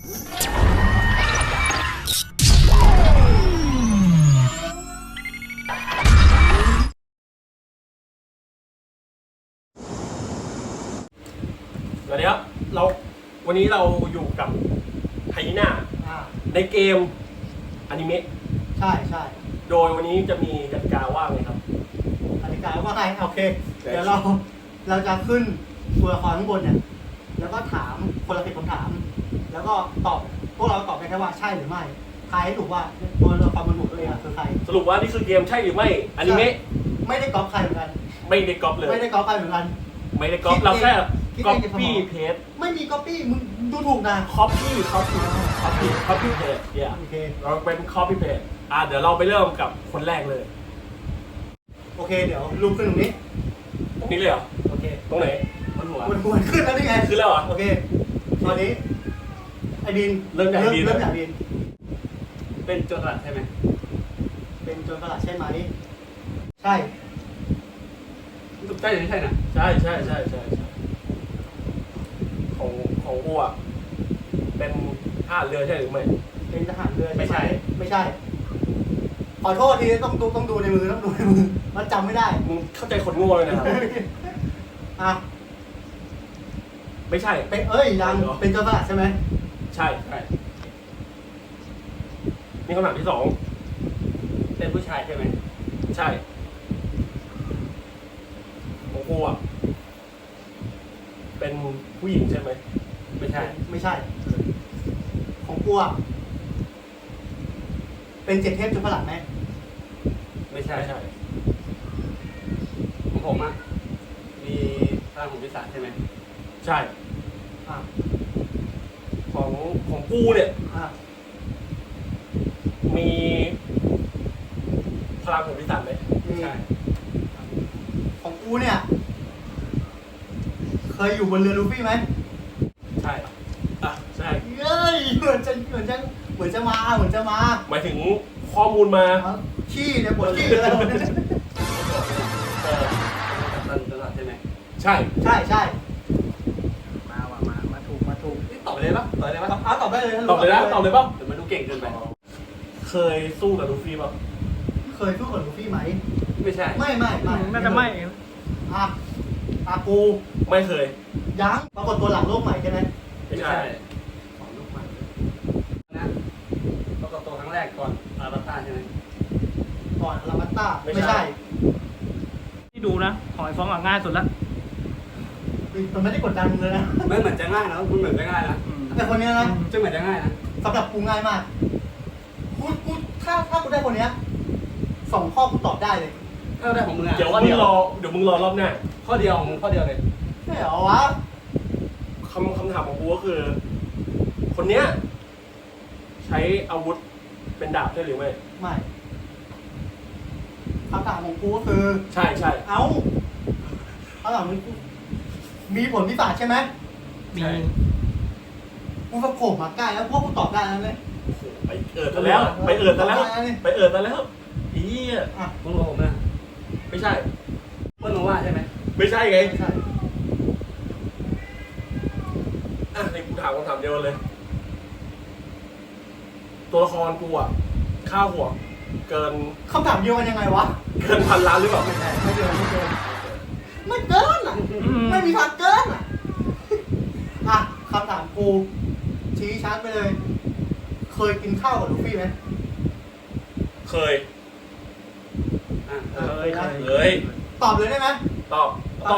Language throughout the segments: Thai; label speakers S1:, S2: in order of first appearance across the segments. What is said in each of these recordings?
S1: สวัสดีครับวันนี้เราอยู่กับไฮยีน่าในเกมอนิเมะ
S2: ใช่ใช่
S1: โดยวันนี้จะมีกติกาว่าไงครับ
S2: กติกาว่าไงโอเคเดี๋ยวเราจะขึ้นตัวละครข้างบนเนี่ยแล้วก็ถามคนละ10 คำถามแล้วก็ตอบพวกเราตอบได้แค่ว่าใช่หรือไม่ทายให้ถูกว่าตัวละครบนหัวตัวเองคือใคร
S1: สรุปว่านี่คือเกมใช่หรือไม่อนิเมะ
S2: ไม่ได้ก๊อปใครเหมือนกัน
S1: ไม่ได้ก๊อปเลย
S2: ไม่ได้ก๊อปใครเหมือนกัน
S1: ไม่ได้ก๊อปเราแค่ก๊อปปี้เพจ
S2: ไม่มีก๊อปปี้มึงดูถูกนะ
S1: คอปปี้เพจเนี่ยเราเป็นคอปปี้เพจเดี๋ยวเราไปเริ่มกับคนแรกเลย
S2: โอเคเดี๋ยวรูปขึ้นตรงนี้
S1: เลยเหรอ
S2: โอเค
S1: ตรงไหน
S2: บนหัวขึ้นแล้วนี่ไง
S1: ขึ้นแล้วเหรอ
S2: โอเคตอนนี้ไอ้ดิน
S1: เริ่มจากดิน
S3: เป็นโจรสลัดใช่ไหม
S2: เป็นโจรสลัดใช่ไหมใช่
S3: ใช่หรือใช่นะ
S1: ใช่ของกูอ่ะเป็นทหารเรือใช่หรือไม่
S2: เป็นทหารเรือไม่ใช่ขอโทษทีต้องดูในมือมันจำไม่ได้
S1: มึงเข้าใจคนโง่เลยนะครับไม่ใช่
S2: เป็นยังเป็นโจรสลัดใช่ไหม
S1: ใช่นี่คำถามที่2
S3: เป็นผู้ชายใช่ไหม
S1: ใช่ของกูอ่ะเป็นผู้หญิงใช่ไหม
S3: ไม่ใช่
S2: ของกูอ่ะเป็น7 เทพโจรสลัดไหม
S3: ไม่ใช่ของผมอ่ะมีพลังของปีศาจใช่ไหม
S1: ใช่ของกูเนี่ยมีพลังของปีศาจไหม
S2: ใช่ของกูเนี่ยเคยอยู่บนเรือลูฟี่ไหม
S1: ใช่ใช่
S2: เฮ้ยเหมือนจะมา
S1: หมายถึงข้อมูลมา
S2: ขี้เนี่ยปวดขี้เลย
S3: เป็นโจรสลัดใช่ไหม
S1: ใช่
S2: มาถูก
S3: ตอบเลยปะตอบได้
S1: ป่ะ
S2: ตอบเลย
S1: เดี๋
S3: ยวมันดูเก่งเกินไป
S1: เคยสู้กับลูฟี่ป่ะ
S2: เคยสู้กับลูฟี่ไหม
S3: ไม่ใช่
S2: ไม่
S4: น่าจะไม่
S2: กู
S1: ไม่เคย
S2: ยังปรากฏตัวหลังโลกใหม่ใช่ไหม
S1: ไม่ใช่
S3: ของโลกใหม่นะปรากฏตัวครั้งแรกก่อนอาราบัตตาใช่ไหม
S2: ก่อนอาราบัตตาไม่ใช่
S4: ที่ดูนะหอยฟ้องง่ายสุดละ
S2: มันไม่ได้กดดันเลยนะ
S3: ไม่เหมือนจะง่ายนะคุณเหมือนจะง่ายนะ
S2: แต่คนนี้นะ
S3: จะเหมือนจะง่ายนะ
S2: สำหรับกูง่ายมากกูถ้ากูได้คนนี้2 ข้อกูตอบได้เลย
S3: ได้ของมึง
S1: เดี๋ยวมึงรอรอบหน้า
S3: ข้อเดียวเลย
S2: ไม่เหรอวะ
S1: คำถามของกูก็คือคนเนี้ยใช้อาวุธเป็นดาบใช่หรือไม่
S2: คำถามของกูก็คือ
S1: ใช่
S2: คำถามของกูมีผลพิศาจใช่ไหม
S4: มี
S2: กูสะโขบมาใกล้แล้วพวกกูตอบได้แล้วเลย
S1: ไปเอิดแล้วอี
S3: มึงรู้ผมนะ
S1: ไม่ใช่
S3: เพื่อนมึงว่าใช่ไหม
S1: ไม่ใช่ไงในกูถามคำถามเดียวเลยตัวละครกูอ่ะค่าหัวเกิน
S2: คำถามเดียวกันยังไงวะ
S1: เกิน1,000 ล้านหรือเปล่า
S2: ไม่เกินไม่มีทางเกินคำถามกูชี้ชัดไปเลยเคยกินข้าวกับลูฟี่ไหม
S1: เคย
S2: ตอบเลยได้ไหม
S1: ตอบถ้า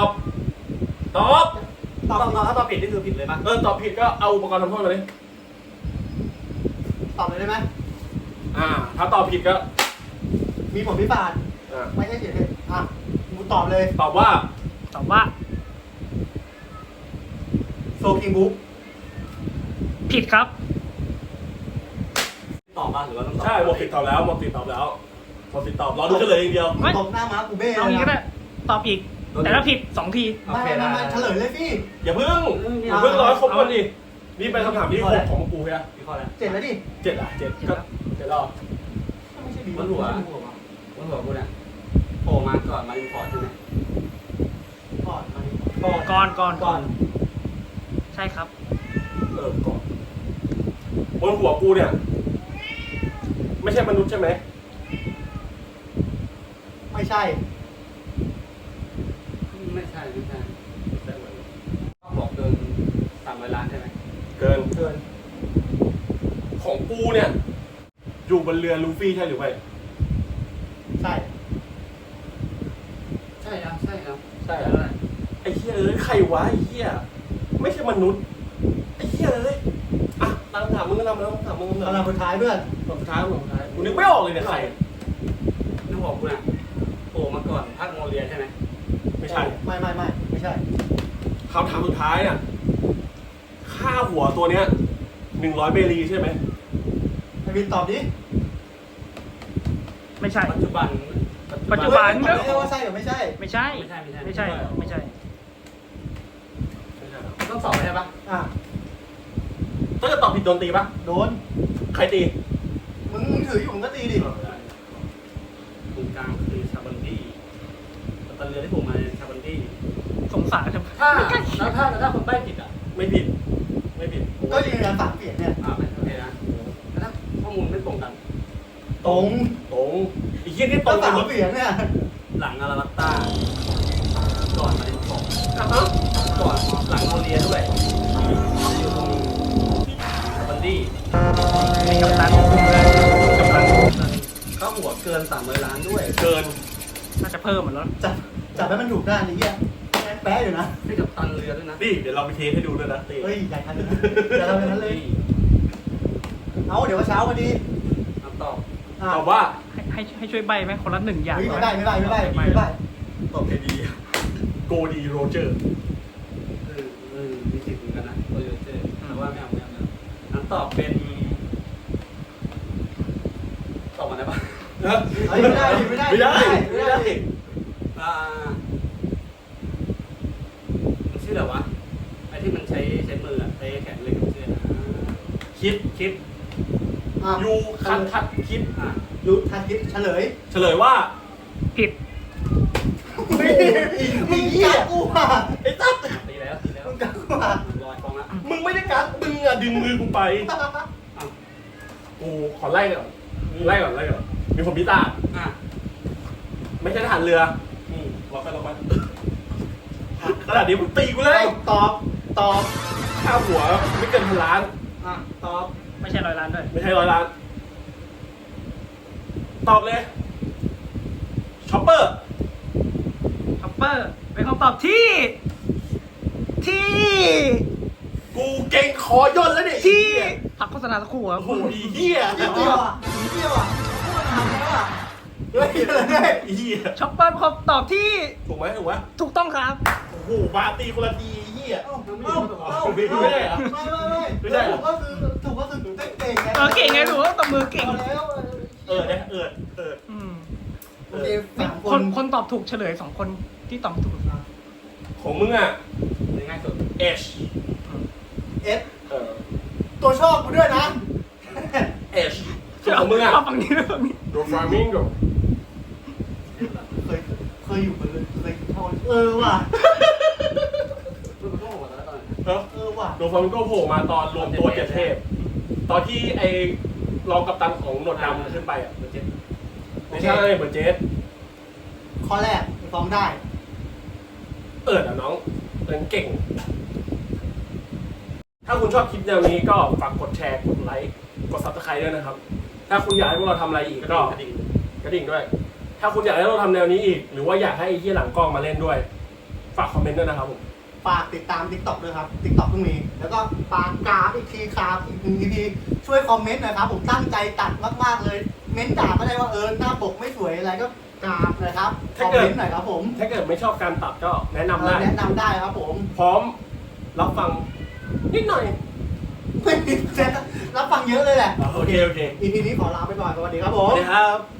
S3: ตอบผิดนี่คือผิดเลยป่ะ
S1: ตอบผิดก็เอาอุปกรณ์ทำโทษมาเลย
S2: ตอบเลยได้ไหม
S1: ถ้าตอบผิดก็
S2: มีผลพิศาจไม่ใช่เฉยกูตอบเลย
S1: ตอบว่า
S2: โซคิงบุ๊ก
S4: ผิดครับ
S3: ตอบป่ะหรือว่าต้องตอบ
S1: ใช่หมดติดตอบแล้วรอดูเฉลยอย่างเดียว
S2: ตบหน้าม้ากูเบ้
S4: เอางี้ก็ได้ตอบอีกแต่ถ้าผิด2 ที
S2: ไม่เฉลยเลยพี่
S1: อย่าเพิ่งรอครบก่อนดินี่เป็นคำถามที่6ของกูใช่ไหม
S3: ข้อแล้ว
S2: 7แล้วดิ
S1: 7 ก็7รอบ
S3: ไม่ใช่บนหัวกูเนี่ยโผล่มาก่อนมาอินพอร์ตใช่ไหม
S4: ก่อนใช่ครับ
S1: ก่อนบนหัวกูเนี่ย ไม่ใช่มนุษย์ใช่ไหม
S2: ไม่ใช่
S3: ไม่ใช่เขาบอกเกิน300 ล้านใช่ไหม
S1: เกิน
S2: เกิน
S1: ของกูเนี่ย อยู่บนเรือลูฟี่ใช่หรือไม่
S2: ใช่
S3: ใช่ครับใช่ครับ
S1: ใช่แล้วไอ้เหี้ยเอ้ยใครวะไอ้เหี้ยไม่ใช่มนุษย์ไอ้เหี้ยเอ้ยอ่ะตั้งถามมึงก็ทำแล้วถามมึงก็
S2: กำ
S1: ทำ
S2: ลังสุดท้ายเพื่อน
S1: สุดท้ายกูนึกไม่ออกเลยเนี่ยใคร
S3: นึกบอกกูน่ะโผล่มาก่อนภาคโมเรียใช่ไหม
S1: ไม่ใช่
S2: ไม่ใช่
S1: คำถามสุดท้ายเนี่ยค่าหัวตัวเนี้ย100 เบรีใช่ไหม
S2: ไอ้วินตอบดิ
S4: ไม่ใช่
S3: ปัจจุบัน
S4: ปัจจุบัน
S2: ตอบได้ว่าใช่หรือไม่ใช่
S4: ไม่ใช่
S3: ไม่ใช่
S4: ไม่ใช่ ไม่ใช่
S1: ไม่ใช่หรอ
S3: ต้องสอบใช่ปะ
S2: อ่ะ
S1: ถ้าเกิดตอบผิดโดนตีปะ
S2: โดน
S1: ใครตี
S2: มึงถืออยู่มึงก็ตีดิ
S3: ตรงกลางคือชาบันดี้ตอนเรือที่ผมมาชาบันดี้
S4: สงสารครับ
S3: ถ้าแล้วถ้าคนใบ้ผิดอ่ะ
S1: ไม่ผิด ไม่ผิด
S2: ก็ยืนยันฝากเปลี่ยนเนี่ย
S3: ไม่โอเคนะแล้วถ้าข้อมูลไม่ตรงกัน
S2: ตรง
S1: ตรงไอ้เหี้ยนี่ตร
S2: ก็
S1: ง
S2: ฝาก
S1: หมด
S2: เปลี่ยนเนี่ย
S3: หลังอาราบัตตาก่อนมาดินสอง
S1: อ่ะฮะ
S3: ก่อนหลังโมเรียด้วยอยู่ตรงชาบันดี้
S4: มีกัปตันคุมเลยกัปตัน
S3: ค่าหัวเกิน300 ล้านด้วย
S1: เกิน
S4: น่าจะเพิ่มเหมือนแล้ว
S2: จับให้มันถูกด้านนี้เหี้ยแป๊ะอยู่นะ
S3: ให้กับตันเรือด้วยนะ
S1: นี่เดี๋ยวเราไปเทสให้ดูด้วยนะตี
S2: เฮ้ยอย่าทันนะอย่าทำอย่างนั้นเลย เอาเดี๋ยวว่าเช้าพอดี
S3: คำตอบ
S2: อ่ะ
S1: ตอบว่า
S4: ให้ช่วยใบไหมคนละ1 อย่าง
S2: เฮ้ยไม่ได้
S1: ตอบไอดีโกดีโรเจอร์
S3: มีสิทธิ์เหมือนกันนะโรเจอร์แต่ว่าไม่เอาคำตอบเป็นตอบมาได้ปะ
S2: เฮ้ยไม่ได้
S1: ไม่ได้
S3: อ่ามันชื่ออะไรวะไอ้ที่มันใช้มืออะใช้แขนเลยกับชื่อนะ
S1: คิด
S2: อ่ะ
S1: ยูคัดคิด
S2: รู้ทันคิดเฉลย
S1: เฉลยว่า
S4: ผิด
S2: มึงกัดกูอ่ะ
S1: ไอ้ตั๊ด
S3: ตีแล้ว
S2: มึงกัดกูอ่ะ
S3: ลอยฟองละ
S1: มึงไม่ได้กัดมึงอะดึงมือกูไปกูขอไล่ก่อนมีผมพิตา
S3: อ่ะ
S1: ไม่ใช่ทหารเรือล็อกไปขนาดนี้มึงตีกูเลย
S2: ตอบ
S1: ค่าหัวไม่เกิน1,000 ล้าน
S2: อ่ะตอบ
S4: ไม่ใช่100 ล้านด้วย
S1: ไม่ใช่100 ล้าน ตอบเลยช็อปเปอร์
S4: ช็อปเปอร์ เป็นคำตอบที่
S1: กูเก่งคอย่นแล้วเนี่ย
S4: ที่พักโฆษณาสักครู่ครับ
S1: โอ้โหอีเหี้ย
S2: เดียวอ่ะเดียวอ่ะทำแล้วอ่ะเฮ้ย
S1: อีเหี้ย
S4: ช็อปเปอร์เป็นคำตอบที่
S1: ถูกไหม
S4: ถูกต้องครับ
S1: โอ้โหบาตีคนละทีไอ้เหี้ย
S2: ไม่ได้เหรอไม่ได้ก็คือถูกก็คือเก่งไง
S4: เก่งไงหนูว่าตบมือเก่ง
S2: แล้ว
S4: อืม
S2: โอเคสาม
S4: คนตอบถูกเฉลย2 คนที่ตอบไม่ถูก
S1: ของมึงอ่ะ
S3: ง่ายสุด
S1: H
S2: เอสตัวชอบกูด้วยนะ
S1: H ของมึงอ่ะ
S4: เอาฝั่งนี้ด้วยฝั่งนี้
S1: โดฟามิงโก
S2: เคยอยู่บนเรือเคยทอว่ะ
S3: มันก็หัวแล้วตอนนั้น
S1: เนาะ
S2: ว่ะ
S1: โดฟามิงโกโผล่มาตอนรวมตัวเจ็ดเทพ ตอนที่ไอ้รองกัปตันของหนวดดำขึ้นไปอ่ะ
S3: เจ็ด
S1: ไม่ใช่เบอร์เจส
S2: ข้อแรกฟ้องได้
S1: อ่ะน้องเก่ง ถ้าคุณชอบคลิปแนวนี้ก็ฝากกดแชร์ กดไลค์ กด Subscribe ด้วยนะครับ ถ้าคุณอยากให้พวกเราทำอะไรอีกก็
S3: กระดิ่ง
S1: กระดิ่งด้วย ถ้าคุณอยากให้เราทำแนวนี้อีก หรือว่าอยากให้ไอ้ที่หลังกล้องมาเล่นด้วย ฝากคอมเมนต์ด้วยนะครับผม
S2: ฝากติดตาม TikTok ด้วยครับ TikTok เพิ่งมี แล้วก็ฝากกราฟอีกทีครับอีกหนึ่งทีช่วยคอมเมนต์หน่อยครับ ผมตั้งใจตัดมากๆเลย เม้นด่าก็ได้ว่าหน้าปกไม่สวยอะไรก็กราฟเลยครับคอมเมนต์หน่อยครับผม
S1: ถ้าเกิดไม่ชอบการตัดก็แนะนำได้
S2: แนะนำได้ครับผม
S1: พร้อมรับฟังนิดหน่อย
S2: ไม่มีรับฟังเยอะเลยแหละ
S1: โอเค
S2: EP นี้ขอลาไปก่อนสวัสดีครับผ
S1: สวั
S2: ม
S1: สดีครับ